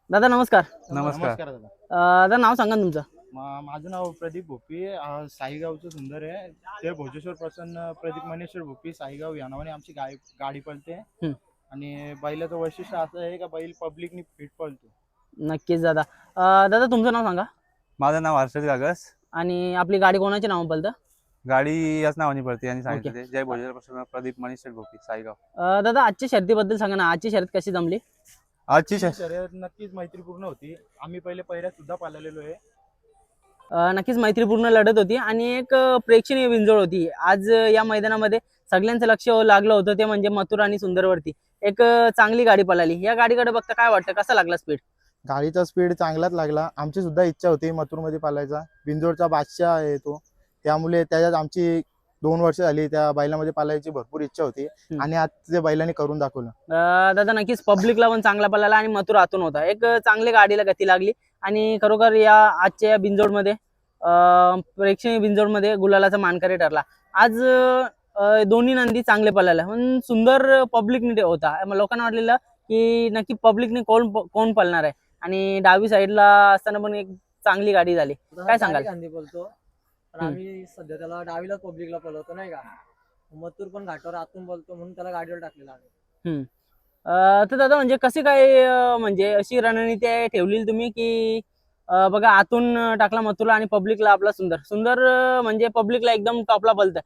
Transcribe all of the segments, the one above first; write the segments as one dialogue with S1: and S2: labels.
S1: दादा नमस्कार.
S2: नमस्कार.
S3: दादा.
S1: दादा नाव सांगा ना तुमचं.
S3: माझं नाव प्रदीप भोपी. साईगावचं सुंदर आहे. ते भोजेश्वर प्रसन्न प्रदीप मनेश्वर भोपी साईगाव या नावाने आमची गाडी पळते.
S1: हं.
S3: आणि बैलाचं वैशिष्ट्य असं आहे का बैल पब्लिकनी फिट पळतो.
S1: नक्कीच दादा. दादा तुमचं नाव सांगा.
S2: माझं नाव हर्षद गागस.
S1: आणि आपली गाडी कोणाच्या नावाने पळतं?
S2: गाडी याच नावाने पडते आणि
S1: ओके.
S2: सांगितलं जय भोजनापासून प्रदीप मनीष भोपी साईगाव.
S1: दादा आजच्या शर्यतीबद्दल सांगा ना. आजची शर्यत कशी जमली?
S2: आजची
S3: ही शर्यत नक्कीच मैत्रीपूर्ण होती. आम्ही पहिले पहिल्यात सुद्धा पाळलेलो आहे.
S1: नक्कीच मैत्रीपूर्ण लढत होती आणि एक प्रेक्षणीय बिंजोड होती. आज या मैदानामध्ये सगळ्यांचं लक्ष लागलं होतं ते म्हणजे मथुर आणि सुंदरवरती. एक चांगली गाडी पळाली. या गाडीकडे बघता काय वाटतं, कसा लागला स्पीड?
S4: गाडीचा स्पीड चांगलाच लागला. आमची सुद्धा इच्छा होती मथुरमध्ये पालायचा. बिंजोडचा बादशाह आहे तो, त्यामुळे त्याच्यात आमची 2 वर्ष झाली त्या बैलामध्ये पालायची भरपूर इच्छा होती आणि आज ते बैलाने करून दाखवलं.
S1: दादा नक्कीच पब्लिकला पण चांगला पळाला आणि मथुर आतून होता. एक चांगली गाडीला गती लागली आणि खरोखर या आजच्या या बिंजोडमध्ये प्रेक्षणीय बिंजोडमध्ये गुलालाचा मानकरी ठरला. आज दोन्ही नंदी चांगले पळाले पण सुंदर पब्लिकने होता. लोकांना वाटलेलं की नक्की पब्लिकने कोण पळणार आहे आणि डावी साईडला असताना पण एक चांगली गाडी झाली. काय सांगाल?
S5: गांधी बोलतो पण आम्ही सध्या त्याला डावीलाच पब्लिकला पळवतो नाही का. मथुर पण घाटावर आतून बोलतो म्हणून त्याला गाडीवर टाकलेला आहे.
S1: तर दादा म्हणजे कशी काय म्हणजे अशी रणनीती ठेवली तुम्ही की बघा आतून टाकला मथुरला आणि पब्लिकला आपला सुंदर म्हणजे पब्लिकला एकदम टॉपला पळतं.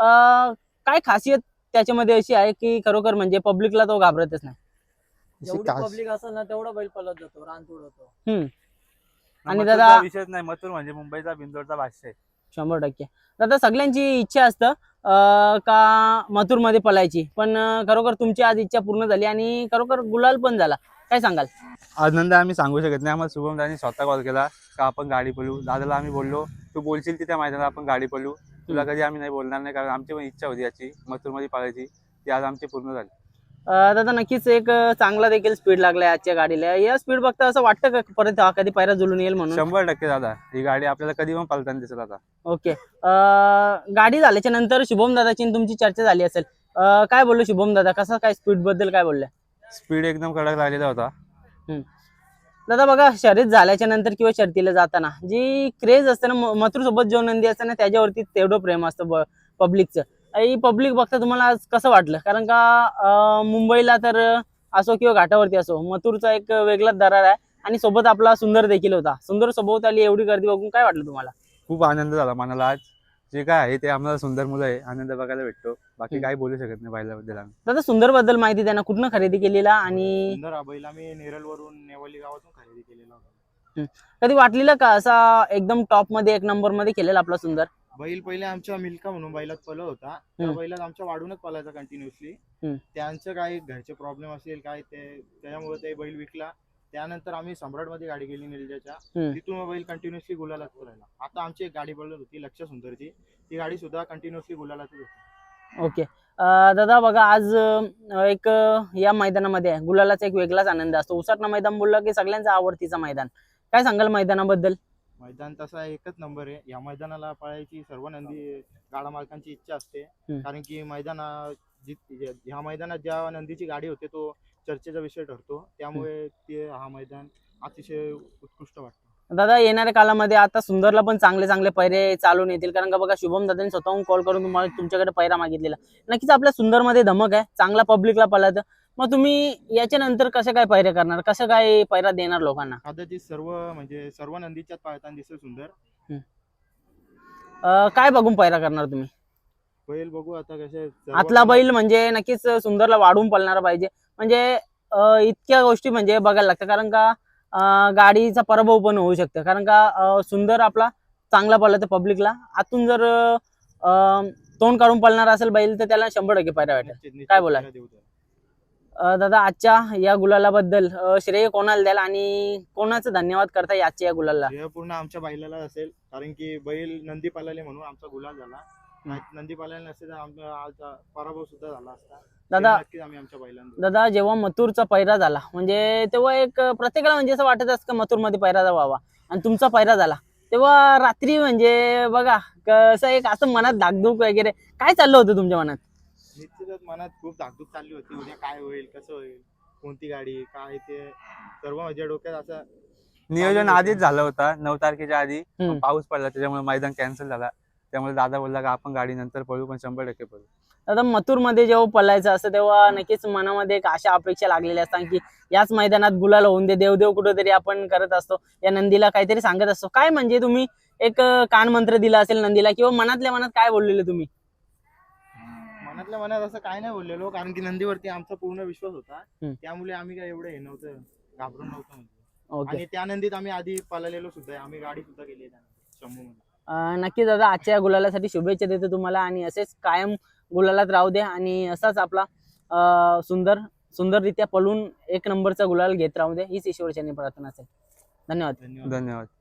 S1: काय खासियत त्याच्यामध्ये अशी आहे की खरोखर म्हणजे पब्लिकला तो घाबरतच नाही?
S5: जेवढी पब्लिक असेल ना तेवढा बैल पळत जातो, रान उडवतो.
S1: आणि
S2: मथुरचा
S1: दादा
S2: विषयच नाही. मथुर म्हणजे मुंबईचा बिंदोडचा भाष्य आहे.
S1: 100%. दादा सगळ्यांची इच्छा असतं का मथुर मध्ये पळायची पण खरोखर तुमची आज इच्छा पूर्ण झाली आणि खरोखर गुलाल पण झाला. काय सांगाल?
S2: आनंद आम्ही सांगू शकत नाही. आम्हाला शुभम दादांनी स्वतः कॉल केला का आपण गाडी पळू. दादाला आम्ही बोललो तू बोलशील तिथे मैदानात आपण गाडी पळू. तुला कधी आम्ही नाही बोलणार नाही कारण आमची पण इच्छा होती याची मथुरमध्ये पळायची. ती आज आमची पूर्ण झाली.
S1: दादा नक्कीच एक चांगला देखील स्पीड लागलाय आजच्या गाडीला. या स्पीड बघता असं वाटतं का परत कधी पायरा जुळून येईल म्हणून?
S2: 100% दादा ही गाडी आपल्याला कधी पण पळताना दिसत आता.
S1: ओके. गाडी झाल्याच्या नंतर शुभम दादाची आणि तुमची चर्चा झाली असेल. काय बोललो शुभम दादा, कसं काय स्पीड बद्दल काय बोलले?
S2: स्पीड एकदम कडक लागलेला होता.
S1: दादा बघा शर्यत झाल्याच्या नंतर किंवा शर्यतीला जाताना जी क्रेज असते ना मथुर सोबत जो नंदी असते ना त्याच्यावरती तेवढं प्रेम असतं पब्लिकचं. ही पब्लिक बघता तुम्हाला आज कसं वाटलं? कारण का मुंबईला तर असो किंवा घाटावरती असो मथुरचा एक वेगळाच दरार आहे आणि सोबत आपला सुंदर देखील होता. सुंदर सोबत आली एवढी गर्दी बघून काय वाटलं तुम्हाला?
S2: खूप आनंद झाला मनाला. आज जे काय आहे ते आम्हाला सुंदर मुलं आहे आनंद बघायला भेटतो. बाकी काही बोलू शकत नाही बैलाबद्दल आम्ही.
S1: दादा सुंदर बद्दल माहिती द्या ना. कुठनं खरेदी केलेला आणि
S3: सुंदर हा बैल आम्ही नेरळवरून नेवली गावातून खरेदी केलेला होता.
S1: कधी वाटलेलं का असा एकदम टॉप मध्ये एक नंबर मध्ये केलेला आपला सुंदर?
S3: बैल पहिले आमच्या मिल्का म्हणून बैलात पळत होता. त्या बैलात आमच्या वाढूनच पळायचा कंटिन्युअसली. त्यांचं काय घरचे प्रॉब्लेम असेल काय ते त्याच्यामुळे ते बैल विकला. त्यानंतर आम्ही सम्राटमध्ये गाडी गेली निलजाच्या. तिथून बैल कंटिन्युअसली गुलालात पळायला. आता आमची एक गाडी पळत होती लक्ष सुंदरची. ती गाडी सुद्धा कंटिन्युअसली गुलालातच होती.
S1: ओके. दादा बघा आज एक या मैदानामध्ये गुलालाचा एक वेगळाच आनंद असतो. उसाटणं मैदान बोललं की सगळ्यांचा आवडतीचा मैदान. काय सांगाल मैदानाबद्दल?
S3: मैदान तसा एकच नंबर आहे. या मैदानाला पळायची सर्व नंदी गाडा मालकांची इच्छा असते. कारण की ह्या मैदानात ज्या नंदीची गाडी होते तो चर्चेचा विषय ठरतो. त्यामुळे ते हा मैदान अतिशय उत्कृष्ट वाटतं.
S1: दादा येणाऱ्या काळामध्ये आता सुंदरला पण चांगले चांगले पैरे चालून येतील कारण का बघा शुभम दादांनी स्वतःहून कॉल करून तुम्हाला तुमच्याकडे पैरा मागितलेला. नक्कीच आपल्या सुंदरमध्ये धमक आहे, चांगला पब्लिकला पळत. मग तुम्ही याच्या नंतर कसं काय पैरे करणार, कसं काय पैरा देणार लोकांना?
S3: कदाचित सर्व नंदीच्यात पाळताना दिसेल सुंदर.
S1: काय बघून पैरा करणार तुम्ही?
S3: बैल बघू आता कसे
S1: आतला बैल म्हणजे नक्कीच सुंदरला वाढून पळणार पाहिजे. म्हणजे इतक्या गोष्टी म्हणजे बघायला लागतं कारण का गाडीचा पराभव पण होऊ शकतं. कारण का सुंदर आपला चांगला पळला तर पब्लिकला आतून जर तोंड काढून पळणार असेल बैल तर त्याला 100% पैरा वाटेल. काय बोला दादा आजच्या या गुलालाबद्दल श्रेय कोणाला द्याल आणि कोणाचं धन्यवाद करता आजच्या या गुलाला?
S3: हे पूर्ण आमच्या बैलाला असेल कारण की बैल नंदी पाळाले म्हणून आमचा गुलाल झाला. नंदी पाळायला नसते तर आमचा आज पराभव सुद्धा झाला असता.
S1: दादा
S3: आम्ही आमच्या बैलांना
S1: दादा जेव्हा मथुरचा पैरा झाला म्हणजे तेव्हा एक प्रत्येकाला म्हणजे असं वाटत असतं का मथुर मध्ये पैरा व्हावा आणि तुमचा पैरा झाला तेव्हा रात्री म्हणजे बघा कसं एक असं मनात धाकधूक वगैरे काय चाललं होतं तुमच्या मनात?
S3: निश्चितच मनात खूप धाकधूक चालली होती. उद्या काय होईल कसं होईल कोणती गाडी काय ते सर्व माझ्या डोक्यात असं
S2: नियोजन आधीच झालं होतं 9 तारखेच्या आधी.
S1: हम्म.
S2: पण पाऊस पडला त्याच्यामुळे मैदान कॅन्सल झाला. त्यामुळे दादा बोलला का आपण गाडी नंतर पळू, पण 100% पळू.
S1: आता मथुरमध्ये जेव्हा पळायचं असतं तेव्हा नक्कीच मनामध्ये एक आशा अपेक्षा लागलेल्या असतात की याच मैदानात गुलाल होऊन दे, देवदेव कुठेतरी आपण करत असतो, या नंदीला काहीतरी सांगत असतो. काय म्हणजे तुम्ही एक कान मंत्र दिला असेल नंदीला, किंवा मनातल्या मनात काय बोललेले तुम्ही?
S3: मनातल्या मनात असं काय नाही बोललेलो, कारण की नंदीवरती आमचा पूर्ण विश्वास होता.
S1: हम्म.
S3: त्यामुळे आम्ही काय एवढं हे नव्हतं, घाबरून नव्हतं म्हणजे.
S1: ओके.
S3: आणि त्या नंदीत आम्ही आधी पळालेलो सुद्धा आहे. आम्ही गाडी सुद्धा केली आहे शंभूमध्ये.
S1: नक्कीच दादा, आजच्या गुलालासाठी शुभेच्छा देतो तुम्हाला, आणि असेच कायम गुलालात राहू द्या, आणि असाच आपला सुंदररित्या पळून एक नंबरचा गुलाल घेत राहू द्या, हीच ईश्वरचरणी प्रार्थना असेल. धन्यवाद.
S3: धन्यवाद.
S2: धन्यवाद.